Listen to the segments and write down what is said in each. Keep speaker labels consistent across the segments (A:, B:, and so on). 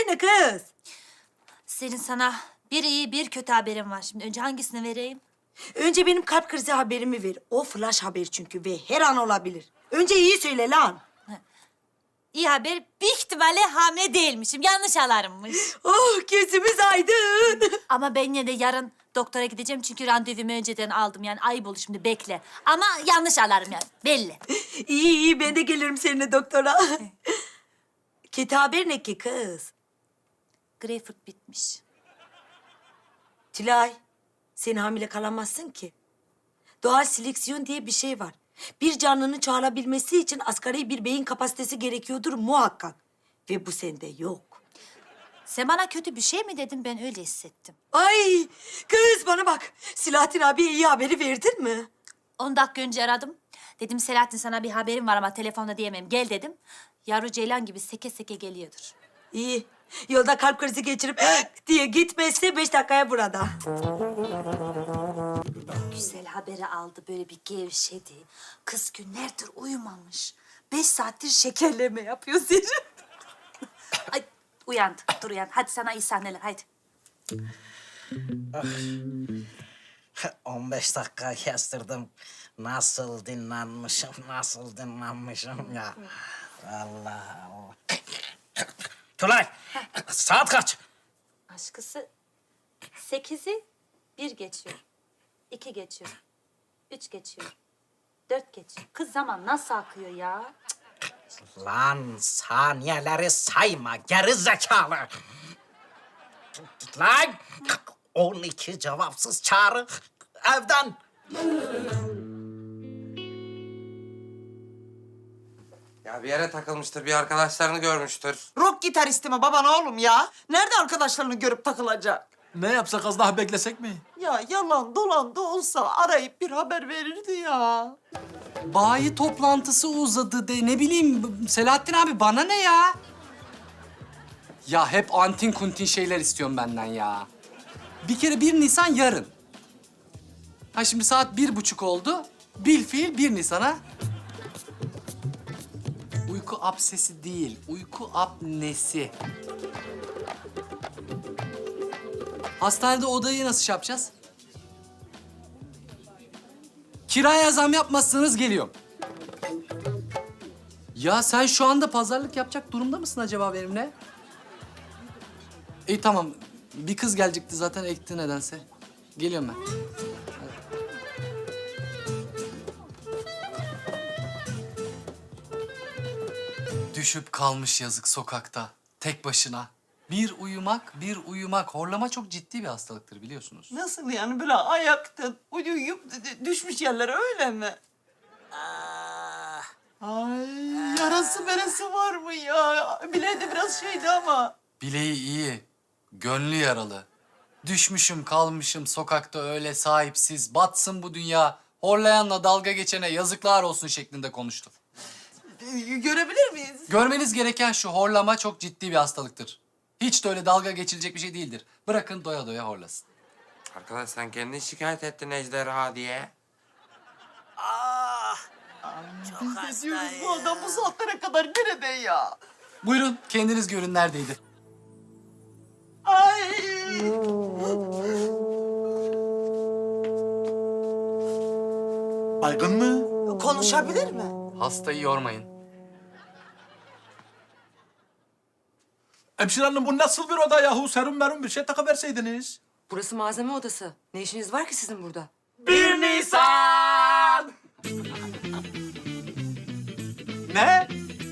A: ne kız?
B: Senin sana bir iyi bir kötü haberim var. Şimdi önce hangisini vereyim?
A: Önce benim kalp krizi haberimi ver. O flash haber çünkü ve her an olabilir. Önce iyi söyle lan.
B: İyi haber, büyük ihtimalle hamile değilmişim. Yanlış alarmmış.
A: Oh, gözümüz aydın.
B: Ama ben yine de yarın doktora gideceğim çünkü randevumu önceden aldım. Yani ayıp olur şimdi, bekle. Ama yanlış alarm yani, belli.
A: İyi iyi, ben de gelirim seninle doktora. Kötü haber ne ki kız?
B: Greyfurt bitmiş.
A: Tülay, sen hamile kalamazsın ki. Doğal seleksiyon diye bir şey var. Bir canlının çoğalabilmesi için asgari bir beyin kapasitesi gerekiyordur muhakkak. Ve bu sende yok.
B: Sen bana kötü bir şey mi dedin? Ben öyle hissettim.
A: Ay kız bana bak. Selahattin abiye iyi haberi verdin mi?
B: 10 dakika önce aradım. Dedim Selahattin, sana bir haberim var ama telefonda diyemem. Gel dedim. Yavru ceylan gibi seke seke geliyordur.
A: İyi. Yolda kalp krizi geçirip diye gitmezse 5 dakikaya burada.
B: Güzel haberi aldı, böyle bir gevşedi. Kız günlerdir uyumamış. 5 saattir şekerleme yapıyor Zerrin. Ay uyandı, dur uyan. Hadi sana iyi sahneler, hadi.
C: 15 dakika kestirdim. Nasıl dinlenmişim ya. Allah Allah. Tülay, saat kaç?
B: Aşkısı 8'i 1 geçiyor. 2 geçiyor. 3 geçiyor. 4 geçiyor. Kız zaman nasıl akıyor ya?
C: Lan saniyeleri sayma, geri zekalı. Lan 12 cevapsız çağrı evden.
D: Ya bir yere takılmıştır, bir arkadaşlarını görmüştür.
E: Rock gitaristi mi baban oğlum ya? Nerede arkadaşlarını görüp takılacak?
F: Ne yapsak, az daha beklesek mi?
E: Ya yalan dolan da olsa arayıp bir haber verirdi ya.
F: Bayi toplantısı uzadı de, ne bileyim Selahattin abi, bana ne ya? Ya hep antin kuntin şeyler istiyorum benden ya. Bir kere 1 Nisan yarın. Ha şimdi saat 1:30 oldu. Bilfiil 1 Nisan'a. Uyku absesi değil, uyku apnesi. Hastanede odayı nasıl şey yapacağız? Kiraya zam yapmazsanız geliyorum. Ya sen şu anda pazarlık yapacak durumda mısın acaba benimle? İyi tamam. Bir kız gelecekti zaten, ekti nedense. Geliyorum ben. Düşüp kalmış yazık sokakta. Tek başına. Bir uyumak. Horlama çok ciddi bir hastalıktır biliyorsunuz.
E: Nasıl yani böyle ayakta uyuyup düşmüş yerlere öyle mi? Ay yarası berası var mı ya? Bileği de biraz şeydi ama.
F: Bileği iyi, gönlü yaralı. Düşmüşüm kalmışım sokakta öyle sahipsiz. Batsın bu dünya. Horlayanla dalga geçene yazıklar olsun şeklinde konuştu.
E: Görebilir miyiz?
F: Görmeniz gereken şu, horlama çok ciddi bir hastalıktır. Hiç de öyle dalga geçilecek bir şey değildir. Bırakın doya doya horlasın.
D: Arkadaş sen kendin şikayet ettin ejderha diye.
E: Biz de diyoruz bu adam bu saatlere kadar nerede ya?
F: Buyurun kendiniz görün neredeydi.
E: Ay.
G: Baygın mı?
E: Konuşabilir mi?
F: Hastayı yormayın.
G: Hemşire hanım bu nasıl bir oda yahu? Serum merum bir şey takıverseydiniz.
H: Burası malzeme odası. Ne işiniz var ki sizin burada?
F: 1 Nisan!
G: Ne?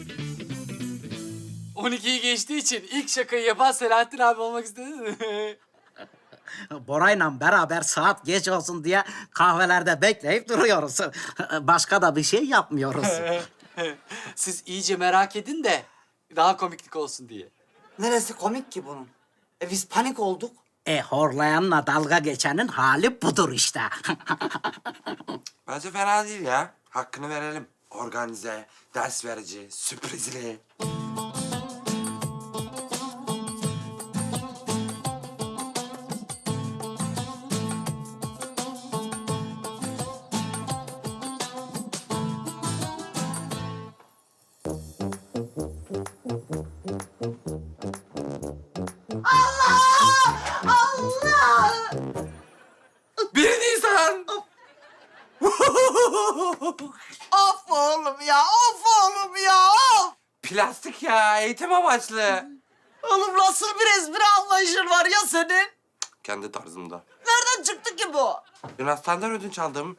F: 12'yi geçtiği için ilk şakayı yapan Selahattin abi olmak istedi mi?
C: Bora'yla beraber saat geç olsun diye kahvelerde bekleyip duruyoruz. Başka da bir şey yapmıyoruz.
F: Siz iyice merak edin de daha komiklik olsun diye.
E: Neresi komik ki bunun? Biz panik olduk.
C: Horlayanla dalga geçenin hali budur işte.
D: Bence fena değil ya. Hakkını verelim. Organize, ders verici, sürprizli.
E: Of oğlum ya, of oğlum ya, of!
D: Plastik ya, eğitim amaçlı.
E: Oğlum nasıl bir espri anlayışın var ya senin?
D: Kendi tarzımda.
E: Nereden çıktı ki bu?
D: Yunanistan'dan ödünç aldım.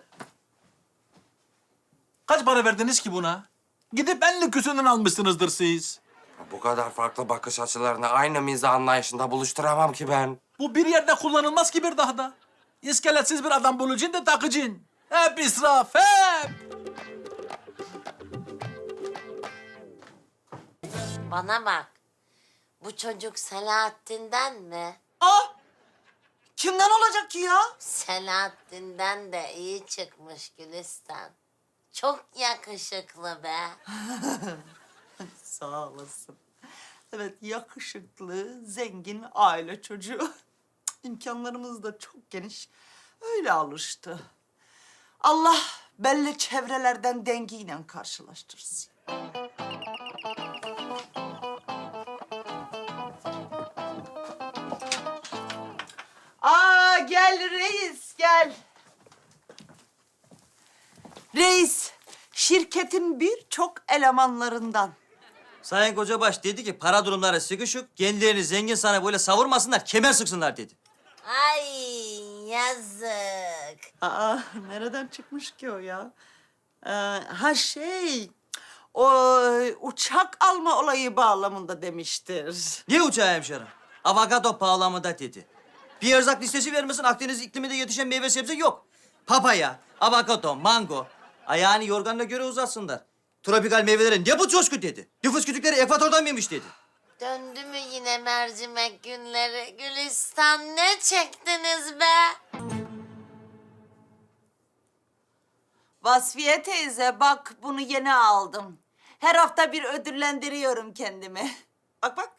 G: Kaç para verdiniz ki buna? Gidip en lüküsünden almışsınızdır siz.
D: Bu kadar farklı bakış açılarını aynı mizah anlayışında buluşturamam ki ben.
G: Bu bir yerde kullanılmaz ki bir daha da. İskeletsiz bir adam bulacaksın da takacaksın. Hep israf, hep.
I: Bana bak. Bu çocuk Selahattin'den mi?
E: Ah! Kimden olacak ki ya?
I: Selahattin'den de iyi çıkmış Gülistan. Çok yakışıklı be.
E: Sağ olasın. Evet, yakışıklı, zengin aile çocuğu. İmkanlarımız da çok geniş. Öyle alıştı. Allah belli çevrelerden dengiyle karşılaştırsın. Aa, gel reis, gel. Reis, şirketin birçok elemanlarından.
J: Sayın Kocabaş dedi ki para durumları sıkışık, kendilerini zengin sana böyle savurmasınlar, kemer sıksınlar dedi.
I: Ay yazık.
E: Aa, nereden çıkmış ki o ya? O uçak alma olayı bağlamında demiştir.
J: Ne uçağı hemşerim? Avokado pahalamında dedi. Bir erzak listesi vermesin, Akdeniz ikliminde yetişen meyve sebze yok. Papaya, avokado, mango. Ayağını yorganına göre uzatsınlar. Tropikal meyvelere ne bu coşku dedi. Nüfus kütükleri ekvatordan mıymış dedi.
I: Döndü mü yine mercimek günleri? Gülistan ne çektiniz be?
E: Vasfiye teyze bak bunu yeni aldım. Her hafta bir ödüllendiriyorum kendimi. Bak bak.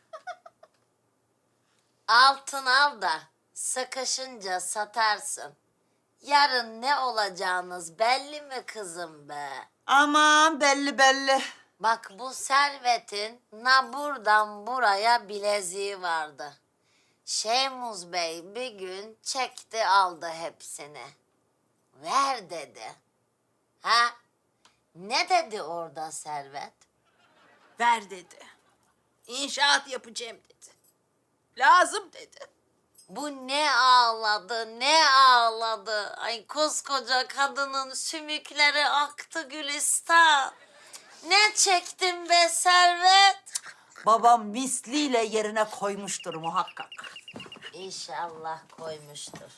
I: Altın al da sıkışınca satarsın. Yarın ne olacağınız belli mi kızım be?
E: Aman belli belli.
I: Bak bu servetin buradan buraya bileziği vardı. Şeymuz Bey bir gün çekti aldı hepsini. Ver dedi. Ha? Ne dedi orada Servet?
E: Ver dedi. İnşaat yapacağım dedi. Lazım dedi.
I: Bu ne ağladı, ne ağladı. Ay koskoca kadının sümükleri aktı Gülistan. Ne çektin be Servet?
E: Babam misliyle yerine koymuştur muhakkak.
I: İnşallah koymuştur.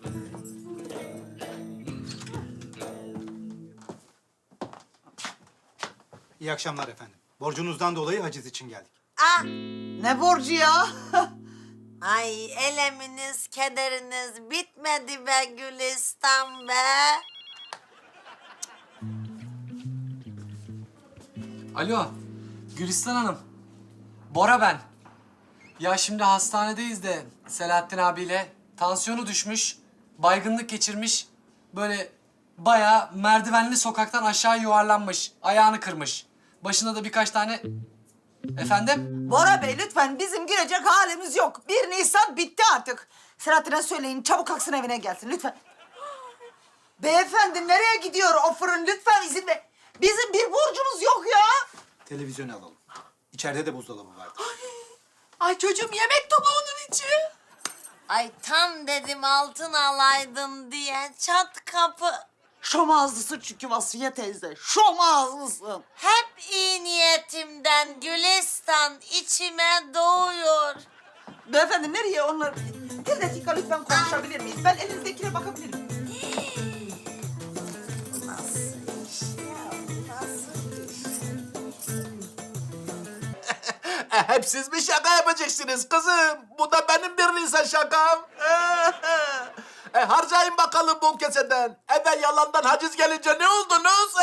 K: İyi akşamlar efendim. Borcunuzdan dolayı haciz için geldik.
I: Ah!
E: Ne borcu ya?
I: Ay eleminiz, kederiniz bitmedi be Gülistan be.
F: Alo, Gülistan Hanım. Bora ben. Ya şimdi hastanedeyiz de Selahattin abiyle tansiyonu düşmüş, baygınlık geçirmiş. Böyle bayağı merdivenli sokaktan aşağı yuvarlanmış, ayağını kırmış. Başında da birkaç tane... Efendim?
E: Bora Bey lütfen bizim girecek halimiz yok. 1 Nisan bitti artık. Selahattin'e söyleyin çabuk kalksın evine gelsin lütfen. Beyefendi nereye gidiyor o fırın? Lütfen izin ver. Bizim bir borcumuz yok ya.
K: Televizyonu alalım. İçeride de buzdolabı vardı.
E: Ay çocuğum yemek topu onun için.
I: Ay tam dedim altın alaydın diye çat kapı.
E: Şom ağızlısın çünkü Vasfiye teyze. Şom ağızlısın.
I: Hep iyi niyetimden Gülistan içime doğuyor.
E: Beyefendi nereye onlar? Bir dakika lütfen konuşabilir miyiz? Ben elinizdekine bakabilir miyim?
I: Nasıl iş ya? Nasıl iş?
G: Hep siz mi şaka yapacaksınız kızım? Bu da benim bir Nisan şakam. Harcayın bakalım bu keseden. Eve yalandan haciz gelince ne oldunuz?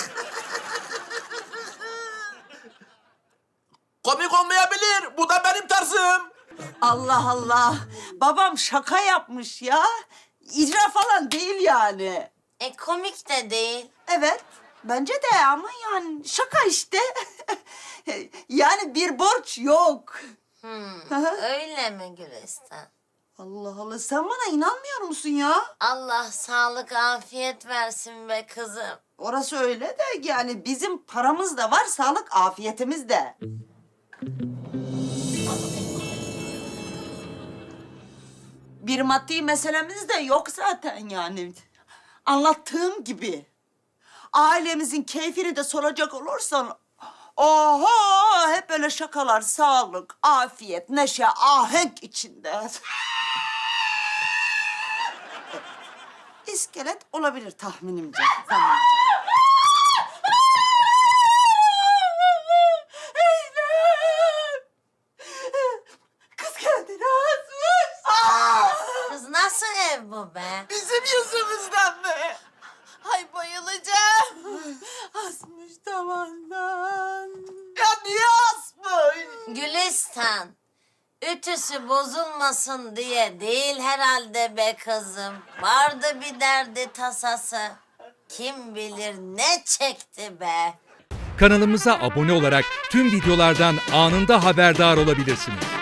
G: Komik olmayabilir. Bu da benim tarzım.
E: Allah Allah. Babam şaka yapmış ya. İcra falan değil yani.
I: Komik de değil.
E: Evet. Bence de ama yani şaka işte. Yani bir borç yok.
I: Öyle mi Gülistan?
E: Allah Allah, sen bana inanmıyor musun ya?
I: Allah sağlık afiyet versin be kızım.
E: Orası öyle de yani bizim paramız da var, sağlık afiyetimiz de. Bir maddi meselemiz de yok zaten yani. Anlattığım gibi. Ailemizin keyfini de soracak olursan... Oho! Hep böyle şakalar, sağlık, afiyet, neşe, ahenk içinde. İskelet olabilir tahminimce. Zamanca. Kız kendini asmış.
I: Kız nasıl ev bu be?
E: Bizim yüzümüzden mi? Ay bayılacağım. Asmış tavandan. Ya niye asmış?
I: Gülistan, ütüsü bozulmasın diye değil herhalde be kızım. Vardı bir derdi tasası. Kim bilir ne çekti be.
L: Kanalımıza abone olarak tüm videolardan anında haberdar olabilirsiniz.